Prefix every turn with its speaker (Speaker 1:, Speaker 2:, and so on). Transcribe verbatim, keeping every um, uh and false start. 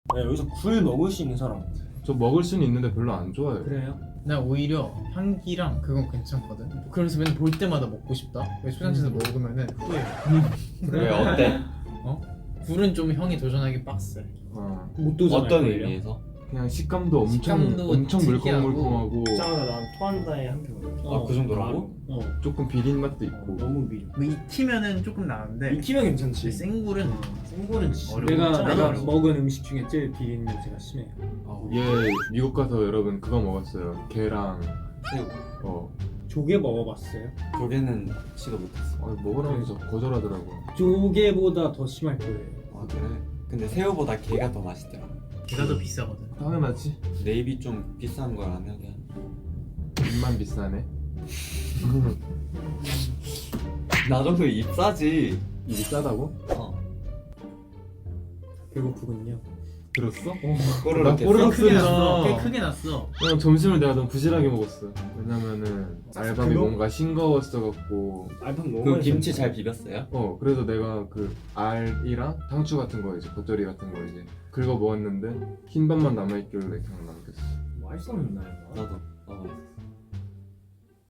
Speaker 1: 네, 여기서 굴 먹을 수 있는 사람.
Speaker 2: 저 먹을 수는 있는데 별로 안 좋아해요.
Speaker 1: 그래요?
Speaker 3: 나 오히려 향기랑 그건 괜찮거든. 그래서 맨날 볼 때마다 먹고 싶다. 왜 초장집에서 먹으면은 후회.
Speaker 4: 왜 어때?
Speaker 3: 굴은 좀 형이 도전하기 빡세.
Speaker 2: 어,
Speaker 1: 못 도전할
Speaker 4: 어떤
Speaker 1: 거예요.
Speaker 4: 의미에서?
Speaker 2: 그냥 식감도 엄청
Speaker 3: 식감도
Speaker 2: 엄청
Speaker 3: 특이하고.
Speaker 2: 물컹물컹하고
Speaker 1: 짜다 난 토한다에 한 표.
Speaker 4: 아, 그 정도라고?
Speaker 1: 어.
Speaker 2: 조금 비린 맛도
Speaker 1: 어,
Speaker 2: 있고.
Speaker 1: 너무 미려.
Speaker 3: 뭐 익히면은 조금 나은데
Speaker 1: 익히면 괜찮지.
Speaker 3: 근데 생굴은
Speaker 1: 생굴은 진짜
Speaker 3: 어려워.
Speaker 1: 내가
Speaker 3: 진짜
Speaker 1: 내가
Speaker 3: 어려워.
Speaker 1: 먹은 음식 중에 제일 비린 냄새가 심해.
Speaker 2: 얘 미국 가서 여러분 그거 먹었어요. 게랑
Speaker 4: 새우.
Speaker 2: 어,
Speaker 1: 조개 먹어봤어요?
Speaker 4: 조개는 시도 못했어.
Speaker 2: 아, 먹으라면서 거절하더라고.
Speaker 1: 조개보다 더 심할 거예요.
Speaker 4: 아 그래? 근데 새우보다 게가 더 맛있더라.
Speaker 3: 걔가 더 비싸거든.
Speaker 2: 당연하지.
Speaker 4: 네이비 좀 비싼 걸 안 하게.
Speaker 2: 입만 비싸네.
Speaker 4: 나 정도 입 싸지.
Speaker 2: 입이 싸다고?
Speaker 4: 어.
Speaker 1: 배고프군요.
Speaker 2: 들었어?
Speaker 4: 꼬르륵
Speaker 2: 나
Speaker 4: 했어?
Speaker 2: 꼬르륵
Speaker 3: 크게 났어.
Speaker 2: 소리나.
Speaker 3: 꽤 크게 났어.
Speaker 2: 그냥 점심을 내가 너무 부실하게 먹었어. 왜냐면은 알밤이
Speaker 1: 그거?
Speaker 2: 뭔가 싱거웠어갖고.
Speaker 1: 알밤 너무
Speaker 4: 그
Speaker 1: 맛있었는데.
Speaker 4: 김치 잘 비볐어요?
Speaker 2: 어, 그래서 내가 그 알이랑 상추 같은 거 이제 겉절이 같은 거 이제 긁어 먹었는데 흰밥만 남아있길래 그냥 남겼어.
Speaker 1: 맛있었나요?
Speaker 4: 나도. 어.